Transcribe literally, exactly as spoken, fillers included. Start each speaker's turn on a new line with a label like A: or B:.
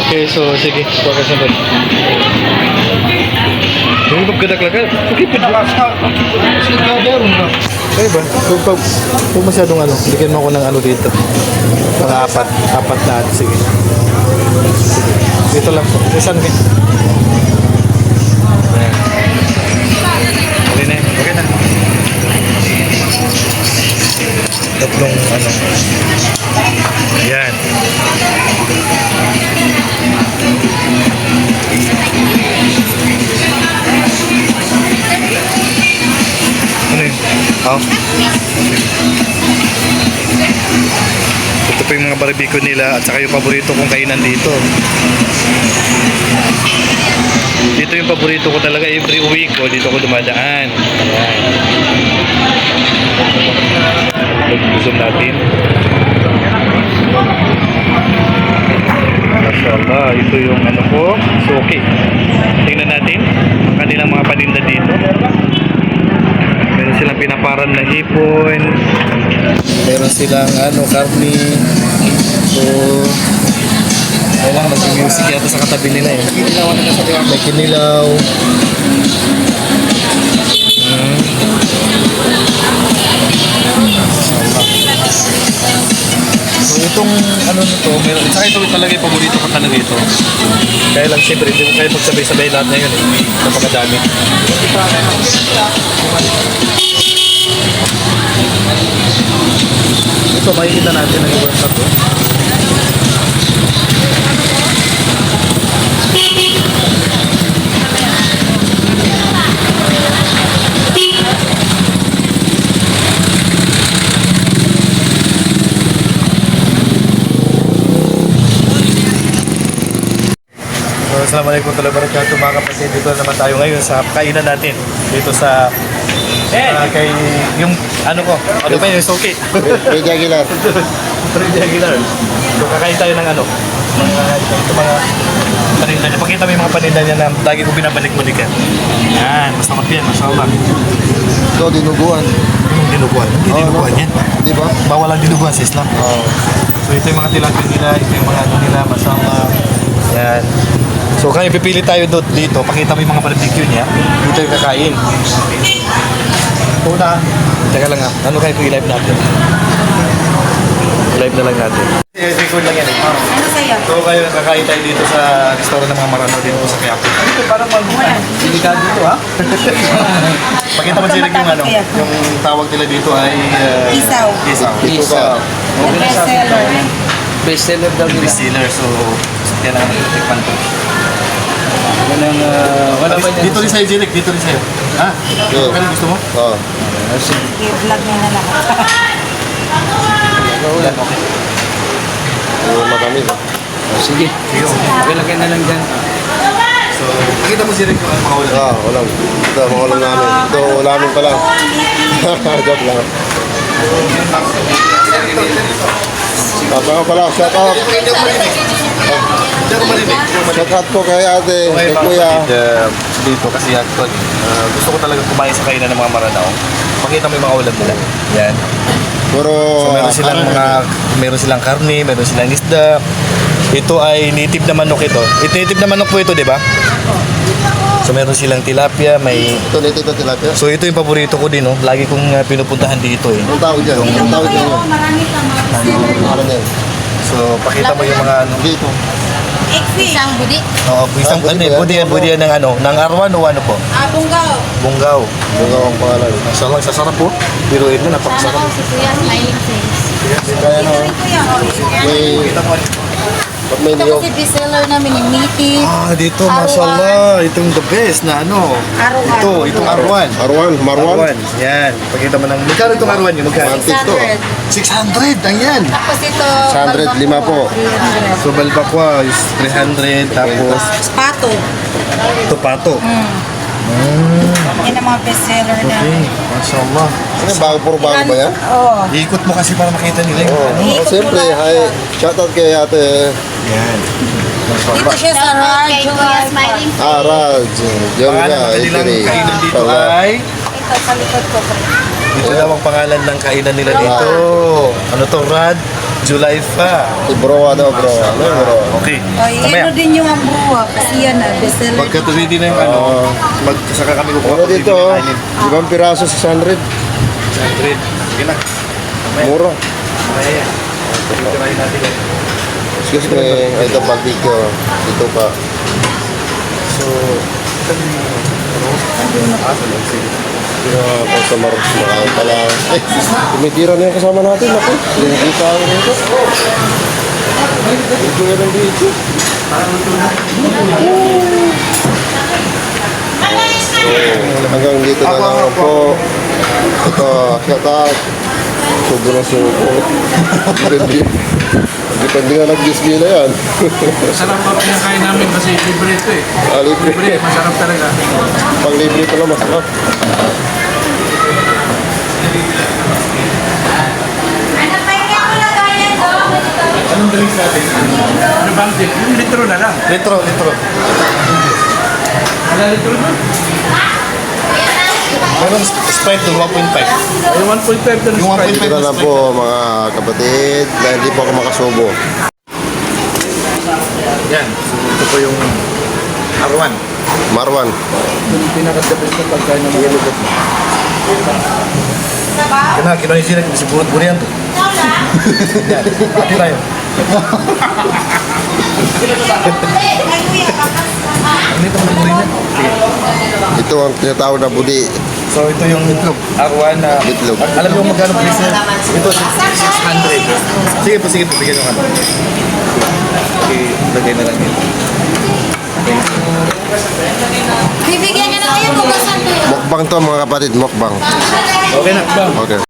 A: Okay, so sige. Focus na ba? Yung pagkadaklagan. Okay, pwede. Okay ba? Kung, kung, kung masyadong ano, bigyan mo ako ng ano dito. Mga apat. Apat na at sige. Sige. Dito lang po. Isan ka. Ayan. Okay na. Okay na. Tatlong ano. Yan. Ano yun? Oh. Ito po yung mga barbecue nila at saka yung paborito kong kainan dito. Dito yung paborito ko talaga every week ko. Dito ko dumadaan. Ayan. Zoom natin. Mashallah, ito yung ano ko, suki. Tingnan natin ang kanilang mga paninda dito. Meron silang pinaparan na hipon. Meron silang ano, karni. So, kailangan mag-music yata sa katabi nila eh. May kinilaw. Hmm. So itong ano nito, meron, saka ito talaga yung paborito ko talaga ito. Kaya lang siyempre, hindi ko kaya magsabay-sabay lahat na yun eh. Napakadami. Ito, makikita natin ang ibang tato. Assalamualaikum warahmatullahi wabarakatuh mga kapatid. Dito naman tayo ngayon sa kainan natin. Dito sa uh, kay yung ano ko, ano ba yung suki?
B: Freddy Aguilar.
A: Freddy Aguilar. So kakain tayo ng ano? Mga ito mga paninda niya. Pakita mo yung mga paninda niya na lagi ko binabalik-balikan. Yan, masarap yan, mashallah.
B: Ito, dinuguan.
A: Yung dinuguan. Hindi
B: Oh,
A: dinuguan
B: no?
A: yan.
B: Di ba?
A: Bawal ang dinuguan sa Islam.
B: Oh.
A: So ito yung mga tilapia nila, ito yung mga ano nila, mashallah. Yan. So kaya pipili tayo doon dito, pakita mo yung mga barbecue niya. Dito yung kakain. Una, teka lang ha, ano kayo i-live natin? Live na lang natin. I-record lang yan eh.
C: Ano sa'yo?
A: So kayo kakain tayo dito sa restaurant ng mga Marano dito sa Quiapo. Dito parang mag- delikado dito ha? Pakita mo sila yung ano, yung tawag nila dito ay... Uh,
C: Isaw.
A: Isaw.
B: Isaw.
C: The best seller.
D: Best seller daw nila.
A: Bestseller, so kaya lang natin tikman to.
D: Walang, uh, wala ba yan?
A: Dito rin sa'yo, Jirek. Dito rin sa'yo. Ha?
B: Yeah.
A: Ano gusto mo?
B: Oh.
C: I-vlog niya na lang.
A: Yan, okay.
B: Yung matamis. ah.
D: Oh, sige. Okay, lagyan na lang dyan.
A: So, nakita mo Jirek yung mga ulam.
B: Ah, ulam. Ito, mga ulam namin. Ito, ulamin pa lang. Joke lang. Papa ko pala, shout out.
A: Hindi ako marinig. Hindi ako marinig.
B: Shout out po kay ate,
A: Okay,
B: kay
A: mga
B: kuya.
A: kapatid, uh, dito kasi actual, uh, gusto ko talaga kumain sa kainan ng mga Maranao. Pakita mo yung mga ulam nila. Yan.
B: Puro...
A: So, meron silang mga, meron silang karne, meron silang isda. Ito ay native na manok ito. Ito native na manok po ito, di ba? So meron silang tilapia, may...
B: Ito, nito ito tilapia.
A: So ito yung paborito ko din, no? Lagi kong uh, pinupuntahan dito eh.
B: Anong tawag dyan? Anong tawag dyan yun?
C: Marami ka mga
B: Ano na yun?
A: So pakita mo yung mga ano.
B: Dito.
C: Isang budi.
A: Oo, isang
B: Ah,
A: ano
B: budi
A: eh,
B: ba yan?
A: budi yan, budi yan ng ano, ng arwan o ano po?
C: Ah, bunggaw.
A: Bunggaw.
B: Bunga ang pangalan.
A: Mashallah, sasarap po. Biruin mo, napakasarap.
C: si Kuya smiling face.
B: Kaya no,
C: Kuya,
B: may...
A: Kita mo.
B: Pag may
C: ito
B: niyog.
C: kasi bestseller namin yung meaty.
A: Ah, dito,
C: Arwan.
A: mashallah. Itong the best na ano.
C: Arwan.
A: Ito, itong arwan.
B: Arwan, Marwan.
A: Arwan. Yan. Pakita mo ng... Magkano itong arwan yun? Magkano?
B: Antik to.
A: six hundred. Ang yan.
C: Tapos ito,
B: six hundred,
C: balbakwa,
B: lima po.
C: three hundred.
A: So, balbakwa is three hundred. Tapos,
C: Pato.
A: ito pato.
C: Yan ang mga bestseller
A: Okay.
C: namin.
A: Mashallah.
B: Ano, bago, puro bago ba yan?
C: Oo.
A: Iikot mo kasi para makita nila yung
B: Oo.
A: ano.
B: Oh, siyempre, hi. Shout out kay ate.
A: Yan.
C: Dito siya sa Radyo.
B: Ah, Raj. Diyan
A: Pangalan
B: nga,
A: ng kanilang
B: Itiri.
A: kainan dito
B: Pala.
A: ay
C: Ito sa likod ko.
A: Ito daw ang pangalan ng kainan nila dito. Ano to, Rad? Julaifa.
B: Si Broa daw, Broa. Ano yung Broa?
A: Okay.
C: Ay,
A: Mamaya.
C: ano din yung ang buwa. Kasi yan na, bestseller.
A: Pagka ready na yung ano,
B: Oo.
A: pag saka kami kukuha
B: Ano
A: pag
B: dito?
A: ready na
B: oh?
A: yung kainin.
B: Ibang piraso, six hundred.
A: one hundred. Sige na. Mamaya.
B: Mura.
A: Mamaya yan. Titirahin natin yan.
B: Excuse me, ito barbecue. Dito pa.
A: So, ito yung ano, ah, sa lang sige.
B: Yung customer, makain pala. Ay, tumitira na yung kasama natin. Ako, pinakita ako nito. Ito nga ng dito. So, hanggang dito na lang po. Ito, shout out. Subo na subo. Depende depende nga nag-display na yan.
D: Masarap pa pinakain namin kasi libre ito eh.
B: Ah, libre.
D: Libre, masarap talaga.
B: Pag libre pala masarap.
D: Anong drinks natin? Ano bang dip? Yung litro na lang.
A: Litro, litro.
D: Wala litro na?
A: Meron Sprite doon, one point five.
D: Yung one point five doon
A: Yung one point
D: Sprite.
A: five
B: Ito na lang po mga kapatid na hindi po ako makasubo.
A: Yan. So, ito po yung Arwan.
B: Marwan.
D: Yung pinaka-the best na pagkain ng mga lugat.
A: Kena, kina yung sinek, si burut burian tuh. Yan. Pati tayo. Ano ito ng burinya?
B: Ito ang tinatawag na budi.
A: So, ito yung itlog. Arwan na...
B: Itlog.
A: Alam niyo kung magkano presyo? Ito, six hundred. Sige po, sige po. Bigyan nyo kami. Okay, lagay na lang yun.
C: Bibigyan niya na kayo, bukasan ko yun.
B: Mukbang to mga kapatid, mukbang.
A: Okay na.
B: Okay.